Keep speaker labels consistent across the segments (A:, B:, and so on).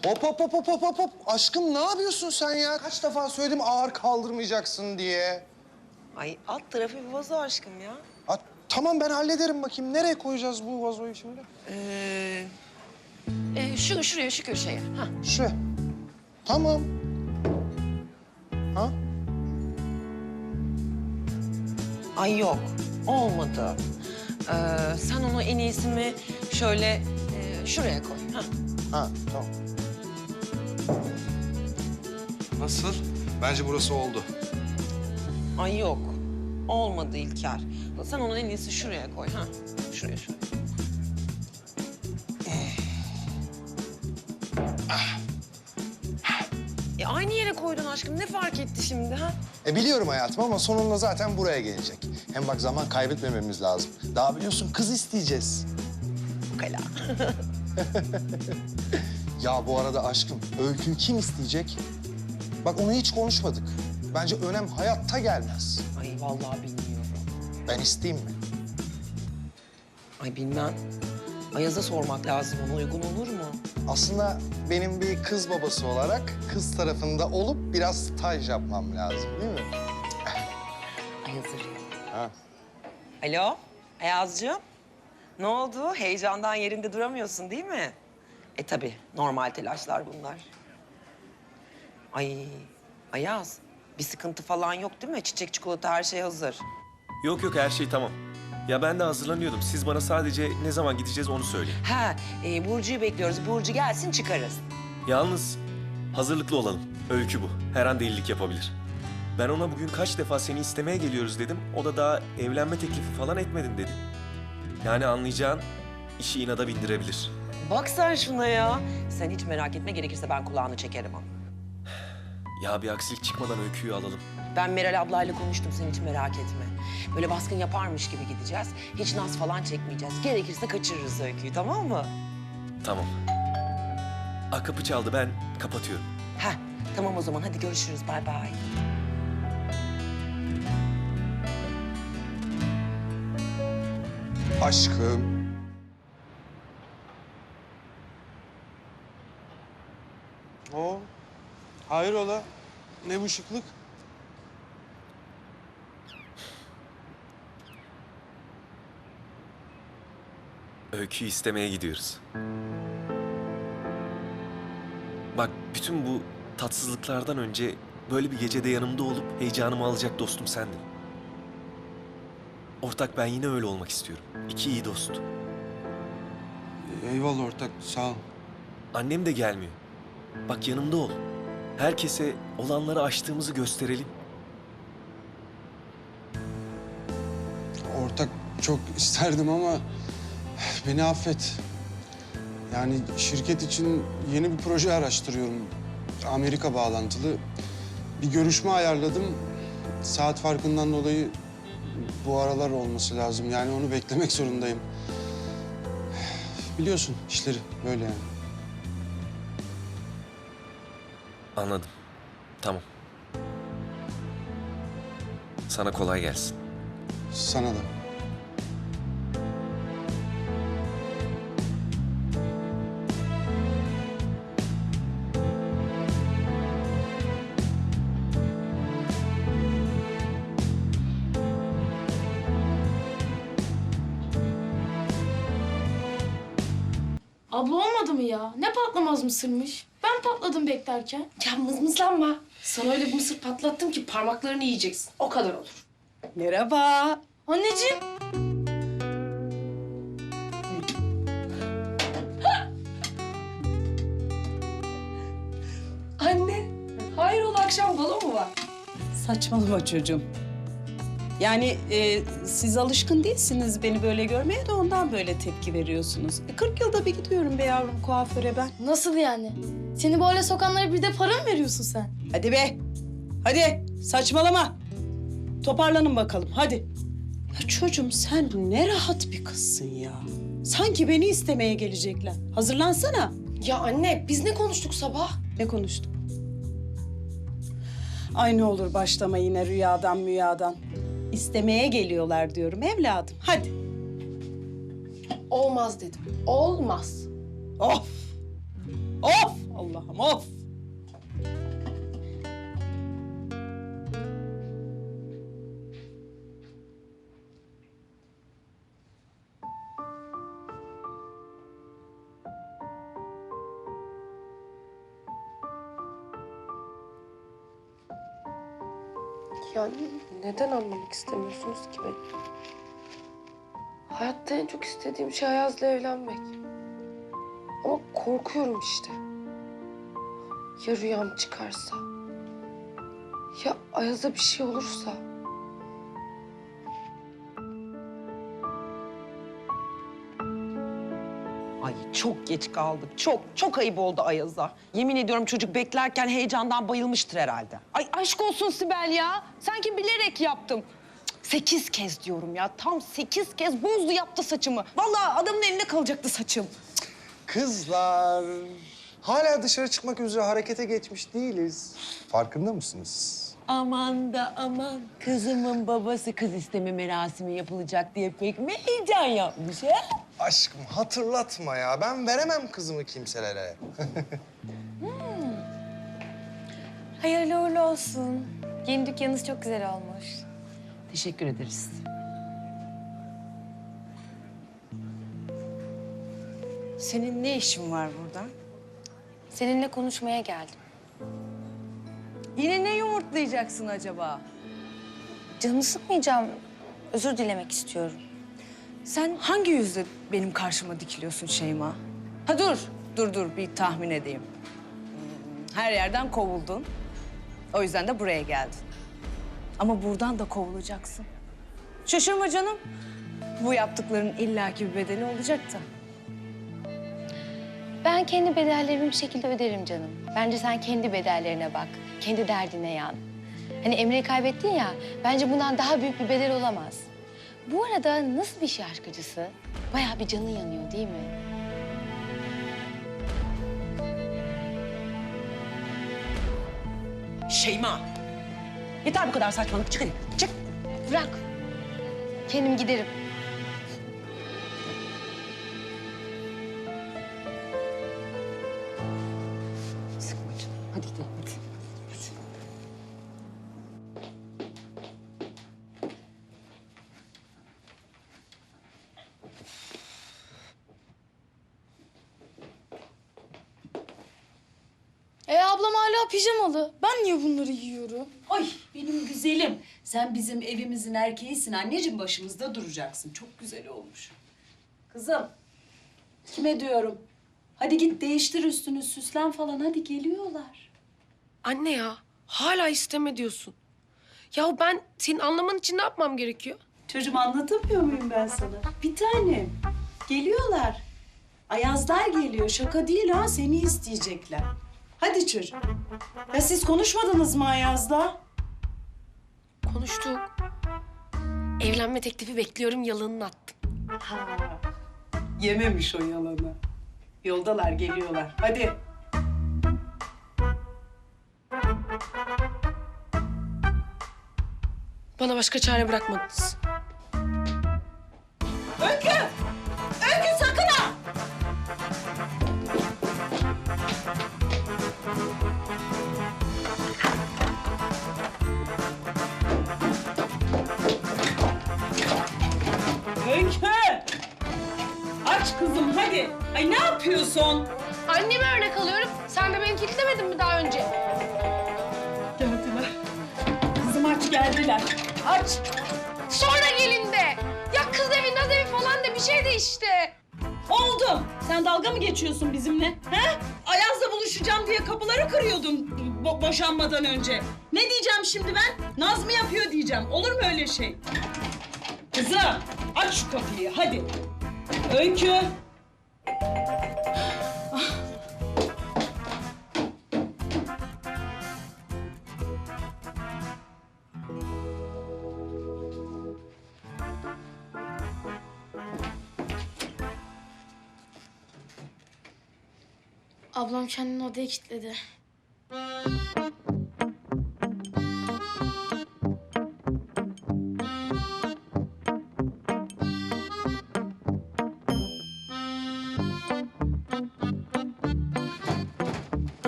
A: Hop hop hop hop hop hop hop. Aşkım ne yapıyorsun sen ya? Kaç defa söyledim ağır kaldırmayacaksın diye.
B: Ay alt tarafı bir vazo aşkım ya.
A: Ha, tamam ben hallederim bakayım. Nereye koyacağız bu vazoyu şimdi?
B: Şuraya, şu köşeye. Ha.
A: Şu. Tamam. Ha?
B: Ay yok, olmadı. Sen onu en iyisi mi şöyle şuraya koy. Ha.
A: Ha, tamam. Nasıl? Bence burası oldu.
B: Ay yok, olmadı İlker. Sen onu en iyisi şuraya koy. Ha. Şuraya. Aynı yere koydun aşkım. Ne fark etti şimdi ha?
A: Biliyorum hayatım ama sonunda zaten buraya gelecek. Hem bak zaman kaybetmememiz lazım. Daha biliyorsun kız isteyeceğiz.
B: Ukala.
A: Ya bu arada aşkım, Öykü'yü kim isteyecek? Bak onu hiç konuşmadık. Bence önem hayatta gelmez.
B: Ay vallahi bilmiyorum.
A: Ben isteyeyim mi?
B: Ay bilmem. Ayaz'a sormak lazım. Ona uygun olur mu?
A: Aslında benim bir kız babası olarak kız tarafında olup biraz staj yapmam lazım değil mi?
B: Ayaz arıyor.
A: Ha.
B: Alo, Ayaz'cığım. Ne oldu? Heyecandan yerinde duramıyorsun değil mi? Tabii, normal telaşlar bunlar. Ay, Ayaz, bir sıkıntı falan yok değil mi? Çiçek, çikolata, her şey hazır.
C: Yok yok her şey tamam. Ya ben de hazırlanıyordum. Siz bana sadece ne zaman gideceğiz onu söyleyin.
B: Ha, Burcu'yu bekliyoruz. Burcu gelsin, çıkarız.
C: Yalnız hazırlıklı olalım. Öykü bu. Her an delilik yapabilir. Ben ona bugün kaç defa seni istemeye geliyoruz dedim. O da daha evlenme teklifi falan etmedin dedi. Yani anlayacağın işi inada bindirebilir.
B: Bak sen şuna ya. Sen hiç merak etme, gerekirse ben kulağını çekerim onu.
C: Ya bir aksilik çıkmadan Öykü'yü alalım.
B: Ben Meral ablayla konuştum, sen hiç merak etme. Böyle baskın yaparmış gibi gideceğiz. Hiç naz falan çekmeyeceğiz. Gerekirse kaçırırız Öykü'yü, tamam mı?
C: Tamam. Kapı çaldı ben kapatıyorum.
B: Heh, tamam o zaman. Hadi görüşürüz. Bay bay.
A: Aşkım.
D: Oo, hayrola? Ne bu şıklık?
C: Öykü'yü istemeye gidiyoruz. Bak bütün bu tatsızlıklardan önce böyle bir gecede yanımda olup heyecanımı alacak dostum sendin. Ortak ben yine öyle olmak istiyorum. İki iyi dost.
D: Eyvallah ortak, sağ ol.
C: Annem de gelmiyor. Bak yanımda ol. Herkese olanları aştığımızı gösterelim.
D: Ortak çok isterdim ama beni affet. Yani şirket için yeni bir proje araştırıyorum. Amerika bağlantılı. Bir görüşme ayarladım. Saat farkından dolayı bu aralar olması lazım. Yani onu beklemek zorundayım. Biliyorsun işleri böyle yani.
C: Anladım. Tamam. Sana kolay gelsin.
D: Sana da.
E: Abla olmadı mı ya? Ne patlamaz mısırmış? Ben patladım beklerken.
F: Ya mızmızlanma. Sana öyle bir mısır patlattım ki parmaklarını yiyeceksin. O kadar olur.
E: Merhaba. Anneciğim.
F: Anne, hayrola akşam balo mu var?
G: Saçmalama çocuğum. Yani siz alışkın değilsiniz beni böyle görmeye de ondan böyle tepki veriyorsunuz. 40 yılda bir gidiyorum be yavrum kuaföre ben.
E: Nasıl yani? Seni böyle sokanlara bir de para mı veriyorsun sen?
G: Hadi be. Hadi saçmalama. Toparlanın bakalım hadi. Ya çocuğum sen ne rahat bir kızsın ya. Sanki beni istemeye gelecekler. Hazırlansana.
F: Ya anne, biz ne konuştuk sabah?
G: Ne konuştuk? Ay ne olur başlama yine rüyadan müyadan. İstemeye geliyorlar diyorum evladım. Hadi.
F: Olmaz dedim. Olmaz.
G: Of! Of! Allah'ım of.
F: Yani neden anlamak istemiyorsunuz ki beni? Hayatta en çok istediğim şey Ayaz'la evlenmek. Ama korkuyorum işte. Ya rüyam çıkarsa? Ya Ayaz'a bir şey olursa?
B: Ay çok geç kaldık. Çok ayıp oldu Ayaz'a. Yemin ediyorum çocuk beklerken heyecandan bayılmıştır herhalde.
H: Ay aşk olsun Sibel ya. Sanki bilerek yaptım. Cık, 8 kez diyorum ya. Tam 8 kez bozdu yaptı saçımı. Vallahi adamın eline kalacaktı saçım.
A: Kızlar, hala dışarı çıkmak üzere harekete geçmiş değiliz. Farkında mısınız?
I: Aman da aman kızımın babası kız isteme merasimi yapılacak diye pek mi heyecan yapmış ha?
A: Aşkım hatırlatma ya. Ben veremem kızımı kimselere.
H: Hayırlı uğurlu olsun. Yeni dükkanınız çok güzel olmuş.
I: Teşekkür ederiz.
H: Senin ne işin var burada? Seninle konuşmaya geldim.
I: Yine ne yumurtlayacaksın acaba?
H: Canını sıkmayacağım. Özür dilemek istiyorum.
I: Sen hangi yüzle benim karşıma dikiliyorsun Şeyma? Ha dur bir tahmin edeyim. Her yerden kovuldun. O yüzden de buraya geldin. Ama buradan da kovulacaksın. Şaşırma canım. Bu yaptıkların illaki bir bedeli olacak da.
H: Ben kendi bedellerimi bir şekilde öderim canım. Bence sen kendi bedellerine bak. Kendi derdine yan. Hani Emre'yi kaybettin ya, bence bundan daha büyük bir bedel olamaz. Bu arada nasıl bir şey aşk acısı? Bayağı bir canın yanıyor değil mi?
B: Şeyma. Yeter bu kadar saçmalık. Çık hadi. Çık.
H: Bırak. Kendim giderim.
I: Sıkma canım. Hadi gidelim hadi.
E: Ablam hala pijamalı. Ben niye bunları giyiyorum?
G: Ay benim güzelim. Sen bizim evimizin erkeğisin anneciğim, başımızda duracaksın. Çok güzel olmuş. Kızım, kime diyorum? Hadi git değiştir üstünü, süslen falan. Hadi geliyorlar.
F: Anne ya, hala isteme diyorsun. Ya ben senin anlaman için ne yapmam gerekiyor?
G: Çocuğum anlatamıyor muyum ben sana? Bir tanem. Geliyorlar. Ayazlar geliyor. Şaka değil ha. Seni isteyecekler. Hadi çocuğum. Ya siz konuşmadınız mı Ayaz'da?
F: Konuştuk. Evlenme teklifi bekliyorum, yalanını attım.
G: Ha. Yememiş o yalanı. Yoldalar, geliyorlar. Hadi.
F: Bana başka çare bırakmadınız.
G: Öykü! Öykü sakın ha! Öykü! Aç kızım hadi. Ay ne yapıyorsun?
F: Anneme örnek alıyorum. Sen de beni kilitlemedin mi daha önce?
G: Geldiler. Kızım aç geldiler. Aç.
F: Sonra gelin de. Ya kız evi, naz evi falan da bir şey de işte.
G: Oldu. Sen dalga mı geçiyorsun bizimle? He? Ayaz'la buluşacağım diye kapıları kırıyordun boşanmadan önce. Ne diyeceğim şimdi ben? Naz mı yapıyor diyeceğim. Olur mu öyle şey? Kızım aç şu kapıyı hadi. Öykü.
E: Ablam kendini odaya kilitledi.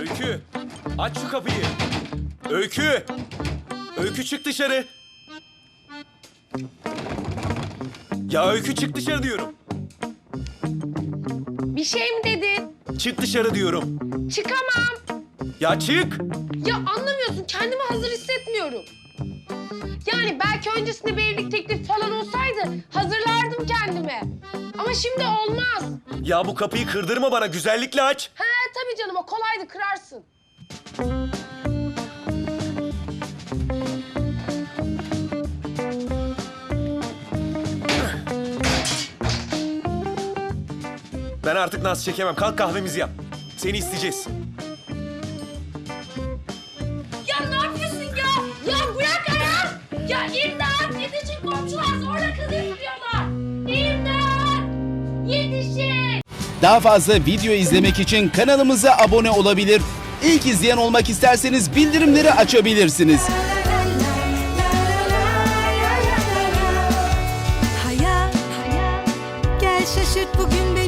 C: Öykü, aç şu kapıyı. Öykü, Öykü çık dışarı. Ya Öykü çık dışarı diyorum.
F: Bir şey mi dedin?
C: Çık dışarı diyorum.
F: Çıkamam.
C: Ya çık.
F: Ya anlamıyorsun, kendimi hazır hissetmiyorum. Yani belki öncesinde bir evlilik teklifi falan olsaydı hazırlardım kendime. Ama şimdi olmaz.
C: Ya bu kapıyı kırdırma bana, güzellikle aç.
F: He tabii canım, o kolaydı, kırarsın.
C: Ben artık naz çekemem. Kalk kahvemizi yap. Seni isteyeceğiz.
E: Ya ne yapıyorsun ya? Ya bırak ayağım. Ya imdat! Yetişin komşular zorla kız istiyorlar. İmdat! Yetişin!
J: Daha fazla video izlemek için kanalımıza abone olabilir. İlk izleyen olmak isterseniz bildirimleri açabilirsiniz.
K: Hayat, gel şaşırt bugün beni.